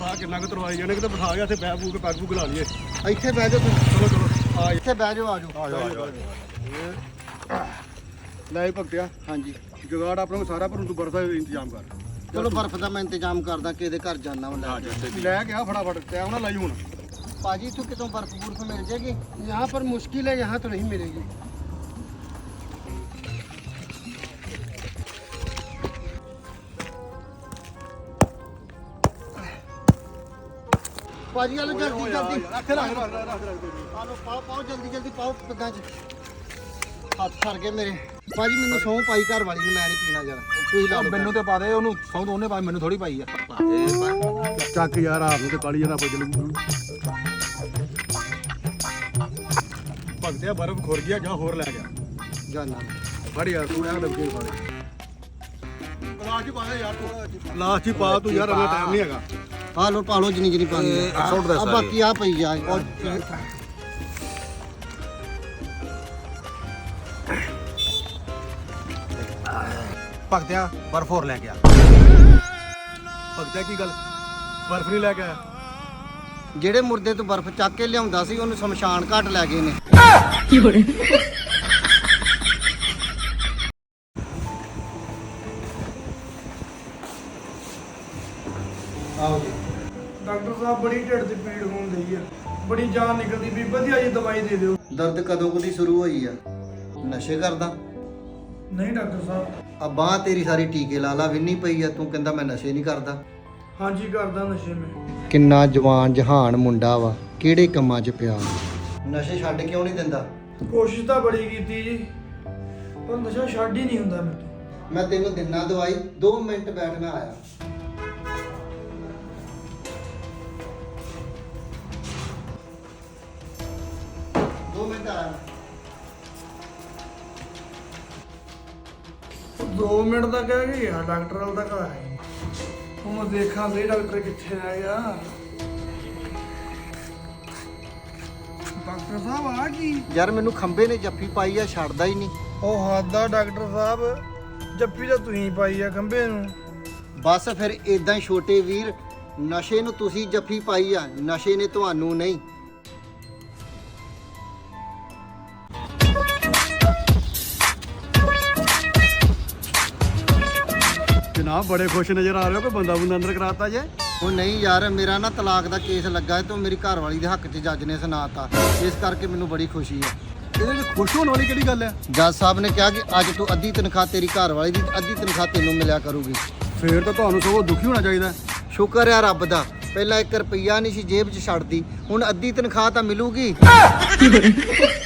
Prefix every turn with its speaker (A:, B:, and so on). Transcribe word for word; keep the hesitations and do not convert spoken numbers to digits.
A: ਭਰਾ ਕਿੰਨਾ ਕੁ ਤਰਵਾਈ ਜਾਣੇ ਕਿਤੇ ਬਿਠਾ ਗਿਆ ਇੱਥੇ ਬਹਿ ਬੂ ਕੇ ਪੈਗ ਪੂਗ ਲਾ ਲਈਏ।
B: ਇੱਥੇ ਬਹਿ ਜਾਓ ਤੁਸੀਂ।
A: ਚਲੋ ਚਲੋ ਆ
B: ਇੱਥੇ ਬਹਿ ਜਾਓ, ਆ ਜਾਓ।
A: ਆ ਜਾਓ ਆ ਜਾਓ ਲੈ ਭਗਤਿਆ
B: ਹਾਂਜੀ
A: ਜੁਗਾੜ ਆਪਣਾ ਕੋਲ ਸਾਰਾ ਪਰ ਤੂੰ ਬਰਫ ਦਾ ਇੰਤਜ਼ਾਮ ਕਰ।
B: ਚਲੋ ਬਰਫ਼ ਦਾ ਮੈਂ ਇੰਤਜ਼ਾਮ ਕਰਦਾ, ਕਿਹਦੇ ਘਰ ਜਾਣਾ ਵਾ ਲੈ ਕੇ।
A: ਲੈ ਕੇ ਆ ਫਟਾਫਟ ਟਾਈਮ ਨਾ ਲਾਈ ਹੁਣ।
B: पाजी तू कितों बर्फ बुर्फ मिल जाएगी?
C: यहाँ पर मुश्किल है, यहाँ तो नहीं मिलेगी।
B: पाजी आलो जल्दी जल्दी
A: रख रख रख रख रख
B: आलो पाओ पाओ जल्दी जल्दी पाओ पग्गां च हथ फर गए मेरे। पाजी मैनू सौं पाई घर वाली ने, मैं नहीं पीना जरा ਤੁਸੀਂ ਲਾ ਲਓ।
D: ਮੈਨੂੰ ਤੇ ਪਾ ਦੇ ਉਹਨੂੰ, ਸੌਂ ਉਹਨੇ ਪਾਈ, ਮੈਨੂੰ ਥੋੜੀ ਪਾਈ ਆ।
A: ਚੱਕ ਯਾਰ ਆਪ ਨੂੰ ਤੇ ਕਾਲੀ ਜਣਾ ਪੁੱਜ ਲੂ। ਭਗਤਿਆ ਬਰਫ ਖੁਰ ਗਿਆ, ਜਾਂ ਹੋਰ ਲੈ ਗਿਆ
B: ਜਾਨਾ
A: ਫੜ ਯਾਰ ਤੂੰ ਐ ਲੱਗੇ ਫੜ। ਲਾਸ਼ ਪਾ ਦੇ ਯਾਰ ਤੂੰ, ਲਾਸ਼ ਹੀ ਪਾ ਤੂੰ ਯਾਰ, ਅਗਲਾ ਟਾਈਮ ਨਹੀਂ ਹੈਗਾ।
B: ਆ ਲੋ ਪਾ ਲੋ ਜਿੰਨੀ ਜਿੰਨੀ ਪਾਣੀ ਆ, ਬਾਕੀ ਆ ਪਈ ਜਾ।
D: ਭਗਤਿਆ ਬਰਫ ਹੋਰ ਲੈ ਗਿਆ।
A: ਭਗਤਿਆ ਕੀ ਗੱਲ ਬਰਫ ਨਹੀਂ ਲੈ ਕੇ ਆਇਆ?
B: ਜਿਹੜੇ ਮੁਰਦੇ ਤੋਂ ਬਰਫ਼ ਚੱਕ ਕੇ ਲਿਆਉਂਦਾ ਸੀ ਉਹਨੂੰ ਸ਼ਮਸ਼ਾਨ ਘਾਟ ਲੈ ਗਏ ਨੇ। ਆਓ ਜੀ
C: डॉक्टर साहब बड़ी ढिड की पीड़ होने लगी है, बड़ी जान निकलती भी, वधिया जी दवाई दे दियो।
B: ਦਰਦ ਕਦੋਂ ਕਦੀ ਸ਼ੁਰੂ ਹੋਈ ਆ? ਨਸ਼ੇ ਕਰਦਾ?
C: नहीं डॉक्टर साहब,
B: ਆ ਬਾਂਹ ਤੇਰੀ ਸਾਰੀ ਟੀਕੇ ਲਾ ਲਾ ਵਿੰਨੀ ਪਈ ਆ, ਤੂੰ ਕਹਿੰਦਾ ਮੈਂ ਨਸ਼ੇ ਨਹੀਂ ਕਰਦਾ।
C: हाँ जी करदा नशे में।
B: ਕਿੰਨਾ ਜਵਾਨ ਜਹਾਨ ਮੁੰਡਾ ਵਾ, ਕਿਹੜੇ ਕੰਮਾਂ 'ਚ ਪਿਆ। ਨਸ਼ੇ ਛੱਡ ਕਿਉਂ ਨਹੀਂ ਦਿੰਦਾ?
C: कोशिश तो बड़ी की जी, पर नशा छड़ ही नहीं हुंदा मेरे तो।
B: ਮੈਂ ਤੈਨੂੰ ਦਿਨਾ ਦਵਾਈ, ਦੋ ਮਿੰਟ ਬੈਠ ਮੈਂ ਆਇਆ। ਦੋ ਮਿੰਟ ਆਇਆ।
C: दो मिनट तक कह गया डॉक्टर वाल तक आया, हूँ मैं देखा सही डॉक्टर कितने रह गया। डॉक्टर साहब आ की
B: ਯਾਰ ਮੈਨੂੰ ਖੰਬੇ ਨੇ ਜੱਫੀ ਪਾਈ ਆ, ਛੱਡਦਾ ਹੀ ਨਹੀਂ।
C: ਉਹ ਹੱਦਾ ਡਾਕਟਰ ਸਾਹਿਬ, ਜੱਫੀ ਤਾਂ ਤੁਸੀਂ ਪਾਈ ਆ ਖੰਬੇ ਨੂੰ।
B: ਬਸ ਫਿਰ ਇਦਾਂ ਹੀ ਛੋਟੇ ਵੀਰ, ਨਸ਼ੇ ਨੂੰ ਤੁਸੀਂ ਜੱਫੀ ਪਾਈ ਆ, ਨਸ਼ੇ ਨੇ ਤੁਹਾਨੂੰ ਨਹੀਂ।
A: ਜਨਾਬ ਬੜੇ ਖੁਸ਼ ਨਜ਼ਰ ਆ ਰਹੇ ਹੋ ਕਿ ਬੰਦਾ ਬੰਦਾ ਅੰਦਰ ਕਰਾਤਾ ਜੇ।
B: ਉਹ ਨਹੀਂ ਯਾਰ, ਮੇਰਾ ਨਾ ਤਲਾਕ ਦਾ ਕੇਸ ਲੱਗਾ ਹੈ ਤੇ ਮੇਰੀ ਘਰ ਵਾਲੀ ਦੇ ਹੱਕ 'ਚ ਜੱਜ ਨੇ ਸੁਣਾਤਾ, ਇਸ ਕਰਕੇ ਮੈਨੂੰ ਬੜੀ ਖੁਸ਼ੀ ਹੈ।
A: ਇਹਦੇ ਵਿੱਚ ਖੁਸ਼ ਹੋਣ ਵਾਲੀ ਕਿਹੜੀ ਗੱਲ ਹੈ?
B: ਜੱਜ ਸਾਹਿਬ ਨੇ ਕਿਹਾ ਕਿ ਅੱਜ ਤੋਂ ਅੱਧੀ ਤਨਖਾਹ ਤੇਰੀ ਘਰ ਵਾਲੀ ਦੀ, ਅੱਧੀ ਤਨਖਾਹ ਤੈਨੂੰ ਮਿਲਿਆ ਕਰੂਗੀ।
A: ਫੇਰ ਤਾਂ ਤੁਹਾਨੂੰ ਸਗੋਂ ਦੁਖੀ ਹੋਣਾ ਚਾਹੀਦਾ।
B: ਸ਼ੁਕਰ ਹੈ ਰੱਬ ਦਾ, ਪਹਿਲਾਂ ਇੱਕ ਰੁਪਈਆ ਨਹੀਂ ਸੀ ਜੇਬ 'ਚ ਛੱਡਦੀ, ਹੁਣ ਅੱਧੀ ਤਨਖਾਹ ਤਾਂ ਮਿਲੂਗੀ।